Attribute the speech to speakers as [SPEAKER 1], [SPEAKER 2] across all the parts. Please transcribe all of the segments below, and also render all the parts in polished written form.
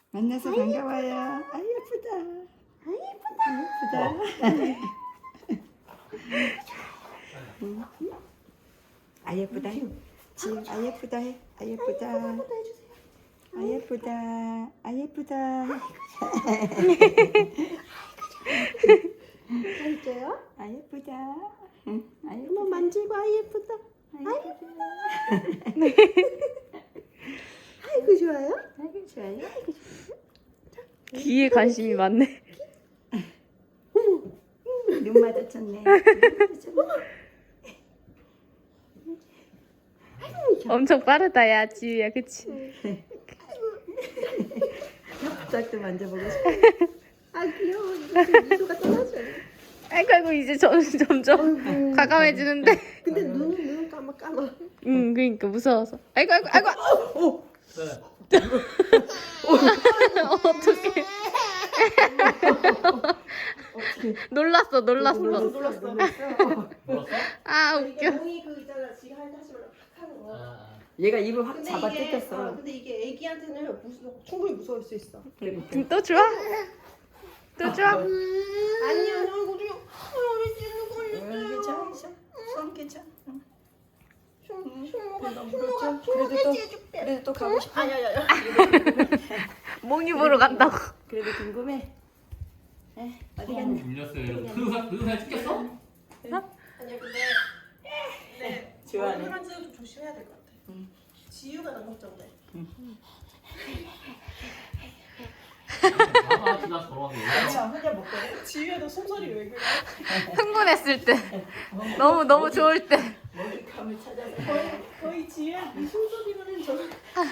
[SPEAKER 1] 만나서 반가워요. 아 예쁘다. 아 예쁘다. 지우 아 예쁘다 해. 아 예쁘다. 아 예쁘다. 아 예쁘다.
[SPEAKER 2] 알죠요?
[SPEAKER 1] 아 예쁘다. 응. 아 예쁘다.
[SPEAKER 2] 한번 만지고 아 예쁘다. 아이고 좋아요.
[SPEAKER 1] 아이고 좋아요.
[SPEAKER 3] 귀에 관심이 많네.
[SPEAKER 1] 눈 마주쳤네. 눈 마주쳤네.
[SPEAKER 3] 엄청 빠르다 야 지우야 그치?
[SPEAKER 1] 짝도 만져보고 싶어.
[SPEAKER 2] 아 귀여워. 이거 좀 미소가 떨어져요.
[SPEAKER 3] 아이고 이제 점점 가감해지는데.
[SPEAKER 2] 근데 눈은 까마.
[SPEAKER 3] 응 그러니까 무서워서. 아이고. 어떡해. 놀랐어.
[SPEAKER 2] 놀랐어.
[SPEAKER 3] 아
[SPEAKER 2] 이게
[SPEAKER 3] 웃겨.
[SPEAKER 2] 몽이 그 있잖아. 지가 하지 말라 팍 하는 거.
[SPEAKER 1] 얘가 입을 확
[SPEAKER 2] 근데
[SPEAKER 1] 잡아
[SPEAKER 2] 이게
[SPEAKER 1] 뜯겼어.
[SPEAKER 2] 근데 이게 애기한테는 충분히 무서울 수 있어.
[SPEAKER 3] 또 좋아? 또 좋아?
[SPEAKER 2] 아니야, 너 이거 좀 우리 찌는 걸렸어요.
[SPEAKER 1] 괜찮아. 손 괜찮아.
[SPEAKER 2] 흉모가
[SPEAKER 1] 그래도 또 가고 싶어.
[SPEAKER 2] 아야야야.
[SPEAKER 3] 몽이 보러 간다고.
[SPEAKER 1] 그래도 궁금해. 에 어디 갔나?
[SPEAKER 4] 물렸어요. 여러분. 그 사진 찍혔어?
[SPEAKER 2] 아니야 근데 네.
[SPEAKER 1] 좋아하네.
[SPEAKER 2] 얼굴만 좀 조심해야 될 것 같아. 지유가 너무 걱정돼.
[SPEAKER 4] 봐봐, 지나 저러고.
[SPEAKER 1] 혼자 못 가.
[SPEAKER 2] 지유야 너 숨소리 왜 그래?
[SPEAKER 3] 흥분했을 때. 너무 좋을 때.
[SPEAKER 1] 먹잇감을 찾아서.
[SPEAKER 2] 거의 지유야 이 숨소리로는 저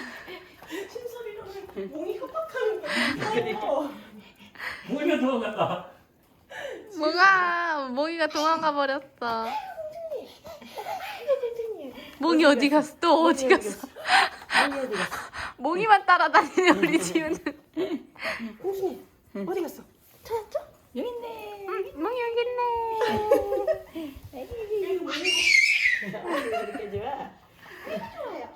[SPEAKER 2] 숨소리로는 몸이 협박하는 거야.
[SPEAKER 4] 뭐야 도망갔다.
[SPEAKER 3] 몽이가 도망가 버렸어. 몽이 어디 갔어? 또 어디 갔어?
[SPEAKER 1] 몽이 어디 갔어?
[SPEAKER 3] 몽이만 따라다니는 우리 지우는.
[SPEAKER 2] 홍순이 어디 갔어? 찾았죠?
[SPEAKER 1] 여기 있네.
[SPEAKER 3] 몽이 여기 있네.
[SPEAKER 1] 이렇게 좋아.
[SPEAKER 2] 좋아요.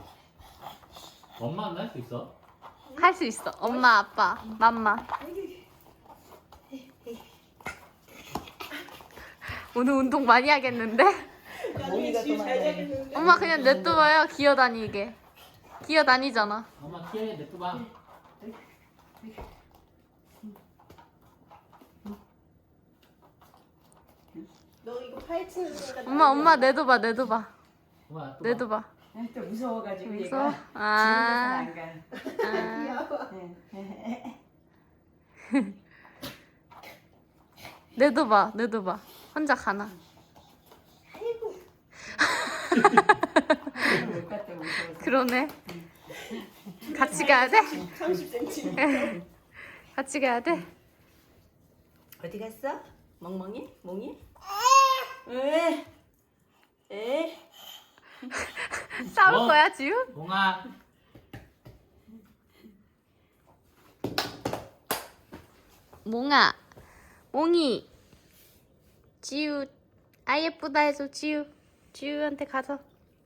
[SPEAKER 4] 엄마 안 할 수 있어?
[SPEAKER 3] 할 수 있어. 엄마, 아빠, 맘마. 오늘 운동 많이 하겠는데?
[SPEAKER 2] 나중에 지유 잘 자겠는데.
[SPEAKER 3] 엄마 그냥 냅둬봐요. 기어다니게. 기어다니잖아.
[SPEAKER 4] 엄마 키에 냅둬봐.
[SPEAKER 2] 너 이거 파헤치는 순간
[SPEAKER 3] 엄마 내둬봐.
[SPEAKER 4] 엄마 냅둬봐.
[SPEAKER 3] 내둬봐.
[SPEAKER 1] 또 무서워가지고
[SPEAKER 3] 무서워?
[SPEAKER 1] 얘가.
[SPEAKER 3] 아.
[SPEAKER 1] 집에서는 안 가.
[SPEAKER 2] 귀여워.
[SPEAKER 3] 내둬봐. 혼자 가나.
[SPEAKER 2] 아이고.
[SPEAKER 1] 못 갔다 무서워서.
[SPEAKER 3] 그러네. 같이 가야 돼?
[SPEAKER 2] 30cm.
[SPEAKER 3] 같이 가야 돼?
[SPEAKER 1] 어디 갔어? 멍멍이? 몽이? 왜? 에?
[SPEAKER 3] 싸울 거야, 지우?
[SPEAKER 4] 몽아.
[SPEAKER 3] 몽아, 몽이, 지우, 아 예쁘다 해서 지우한테 가서.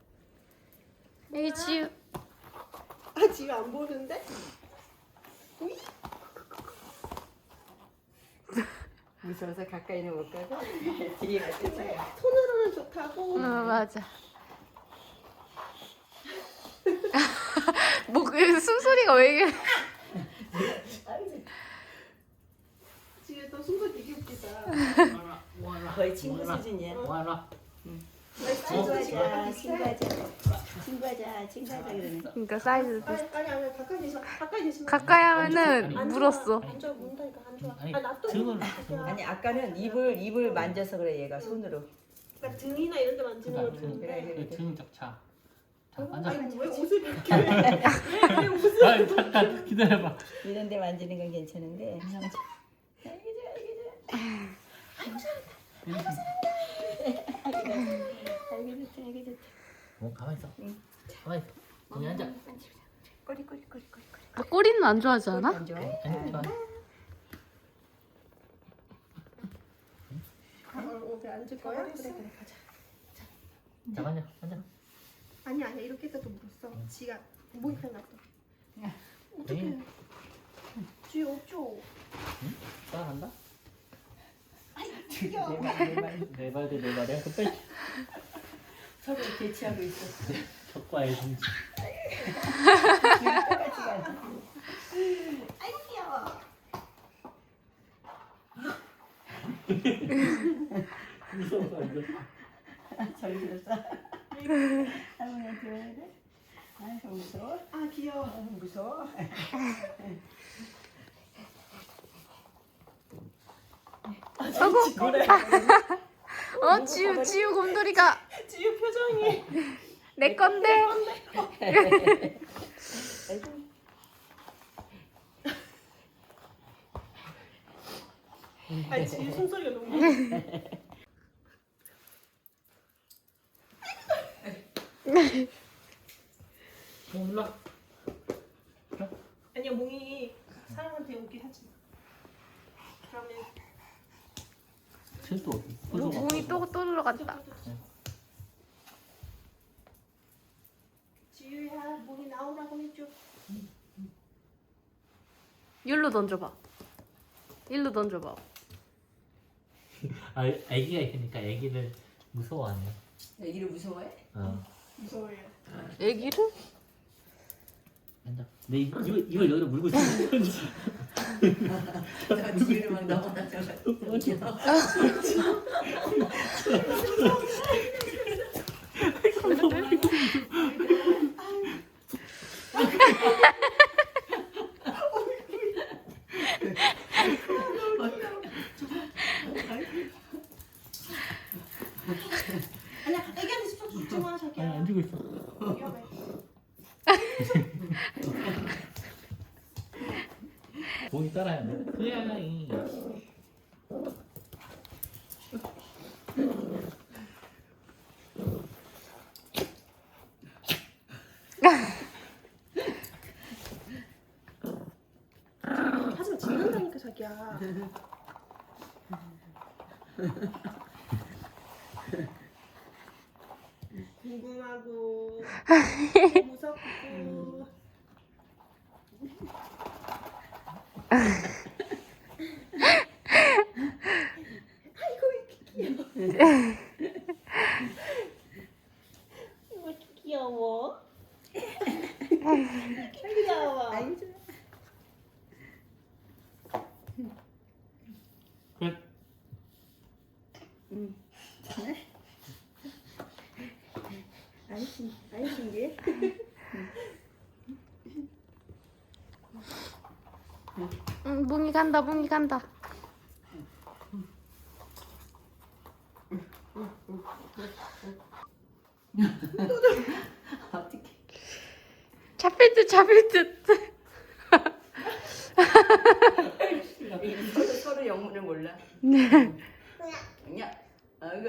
[SPEAKER 3] 여기 지우.
[SPEAKER 2] 아 지유 안 보는데?
[SPEAKER 1] 무서워서 가까이는 못 가고 뒤에 갔겠어요.
[SPEAKER 2] 손으로는 좋다고.
[SPEAKER 3] 맞아. 그 숨소리가 왜 이래?
[SPEAKER 2] 지유 너 숨소리 되게 웃기다.
[SPEAKER 1] 거의 친구 수준이야.
[SPEAKER 4] 몽아.
[SPEAKER 1] 친구하자 그러네.
[SPEAKER 3] 그러니까 사이즈
[SPEAKER 2] 아니 가까이 대시면
[SPEAKER 3] 가까이 하면은
[SPEAKER 2] 안
[SPEAKER 3] 물었어.
[SPEAKER 2] 좋아. 안 좋아 문다니까 안 좋아.
[SPEAKER 4] 아니,
[SPEAKER 2] 아 놔둬.
[SPEAKER 4] 등을
[SPEAKER 1] 아니 아까는 입을 만져서 그래 얘가 손으로.
[SPEAKER 2] 그러니까 등이나 이런 데 만지는 걸 보는데.
[SPEAKER 1] 그래.
[SPEAKER 4] 등 적차. 자, 앉아.
[SPEAKER 2] 아니 왜 옷을 이렇게 왜 옷을
[SPEAKER 4] 아니, 잠깐 기다려봐.
[SPEAKER 1] 이런 데 만지는 건 괜찮은데. 아이고 좋다.
[SPEAKER 4] 몽 가만 있어. 가만 있어. 거기 앉아.
[SPEAKER 1] 꼬리.
[SPEAKER 3] 아, 꼬리는 안 좋아하지 않아?
[SPEAKER 1] 안 좋아해?
[SPEAKER 4] 앉아.
[SPEAKER 2] 옷에 앉을 거야? 그래 가자.
[SPEAKER 4] 자, 앉아.
[SPEAKER 2] 아니야 이렇게 해서도 물었어. 지가 목이 펴 놨어. 어떡해. 뒤에 없죠?
[SPEAKER 4] 따라간다?
[SPEAKER 2] 귀여워.
[SPEAKER 4] 내 말이야. 그때
[SPEAKER 1] 서로 대치하고 있어.
[SPEAKER 4] 적과의 성지.
[SPEAKER 1] 똑같이 가지.
[SPEAKER 2] 아이고 귀여워.
[SPEAKER 4] 무서워서 완전.
[SPEAKER 1] 저기 들었어. 할머니한테 왜 이래? 아이고 무서워.
[SPEAKER 2] 아 귀여워.
[SPEAKER 1] 무서워.
[SPEAKER 3] 지우 곰돌이가
[SPEAKER 2] 지우 표정이.
[SPEAKER 3] 내 건데.
[SPEAKER 2] 아 지우 숨소리가 너무.
[SPEAKER 4] 몰라.
[SPEAKER 2] 아니야 몽이 사람한테 오게 하지 마. 그러면
[SPEAKER 4] 쟤또 어디?
[SPEAKER 3] 몽이 또 들어갔다.
[SPEAKER 2] 지우야 몽이 나오라고 해줘.
[SPEAKER 3] 일로 던져봐.
[SPEAKER 4] 아, 애기가 있으니까 애기를 무서워하네.
[SPEAKER 1] 애기를 무서워해?
[SPEAKER 2] 무서워요.
[SPEAKER 3] 애기를?
[SPEAKER 4] 앉아. 근데 이걸 여기로 물고 있어.
[SPEAKER 1] 저 뒤로 막 넘어가잖아.
[SPEAKER 2] 아니야 애기한테 스톱 주지 마
[SPEAKER 4] 아니,
[SPEAKER 2] 자기야.
[SPEAKER 4] 안 주고 있어.
[SPEAKER 2] 위험해.
[SPEAKER 4] 봉이 따라야 돼. 그야이.
[SPEAKER 2] 하지마 짖는다니까 자기야. 궁금하고 무섭고. 아이고 이렇게 귀여워. 이렇게 귀여워. 이렇게 귀여워.
[SPEAKER 1] 아이고 좋아.
[SPEAKER 4] 그래.
[SPEAKER 1] 응. 잘해. 아이 신기해.
[SPEAKER 3] 응, 몽이 간다.
[SPEAKER 1] 어떻게?
[SPEAKER 3] 잡힐 듯.
[SPEAKER 1] 서로 영문을 몰라.
[SPEAKER 3] 네.
[SPEAKER 1] 그냥 아이고.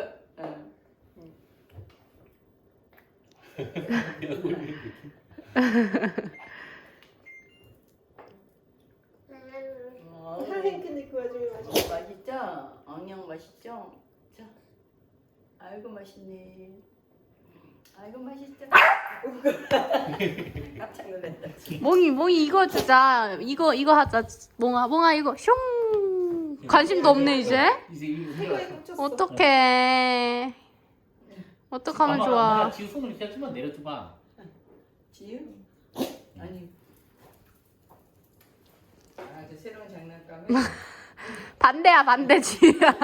[SPEAKER 2] 근데 그 와중에 맛있어.
[SPEAKER 1] 맛있죠? 엉영 맛있죠? 자, 아이고 맛있네. 아이고 맛있죠? 깜짝 놀랐다.
[SPEAKER 3] 몽이 이거 주자. 이거 하자. 몽아 이거 슝. 관심도 없네 이제.
[SPEAKER 4] 이제 이거
[SPEAKER 2] 태고에 꽂혔어.
[SPEAKER 3] 어떡해. 어떡하면 좋아.
[SPEAKER 4] 지우 손을 이렇게 좀만 내려줘봐.
[SPEAKER 1] 지유? 아니. 아, 저 새로운 장난감에
[SPEAKER 3] 반대야 반대 지우야.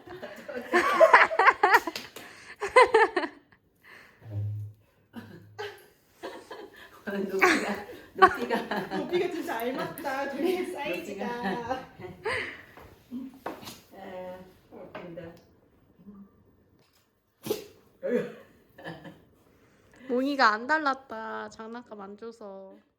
[SPEAKER 2] 높이가 진짜 알맞다. 둘이 사이즈가.
[SPEAKER 1] 웃긴다.
[SPEAKER 3] 몽이가 안 달랐다. 장난감 안 줘서.